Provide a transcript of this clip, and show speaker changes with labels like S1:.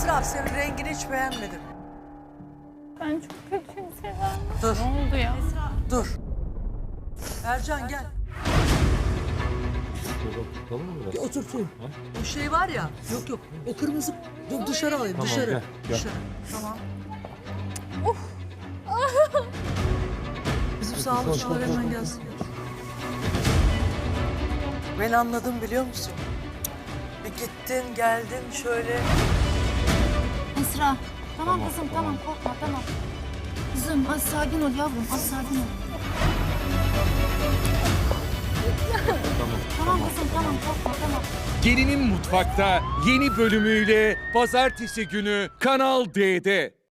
S1: Esra, senin rengini hiç beğenmedim.
S2: Ben çok kötüyüm Sezen.
S1: Dur.
S2: Ne oldu ya?
S1: Dur. Ercan gel.
S3: Tutalım mı
S1: Bir
S3: biraz?
S1: oturtayım. O şey var ya. Yok yok. O kırmızı. Dur dışarı alayım.
S3: Tamam,
S1: dışarı.
S3: gel, gel.
S1: Dışarı. Tamam. Bizim sağlıkçılar hemen gelsin. Ben anladım biliyor musun? Bir gittin geldin şöyle.
S4: Esra. Tamam kızım tamam korkma tamam. Kızım az sakin ol yavrum az sakin ol. Tamam kızım tamam korkma tamam.
S5: Gelinin Mutfak'ta yeni bölümüyle pazartesi günü Kanal D'de.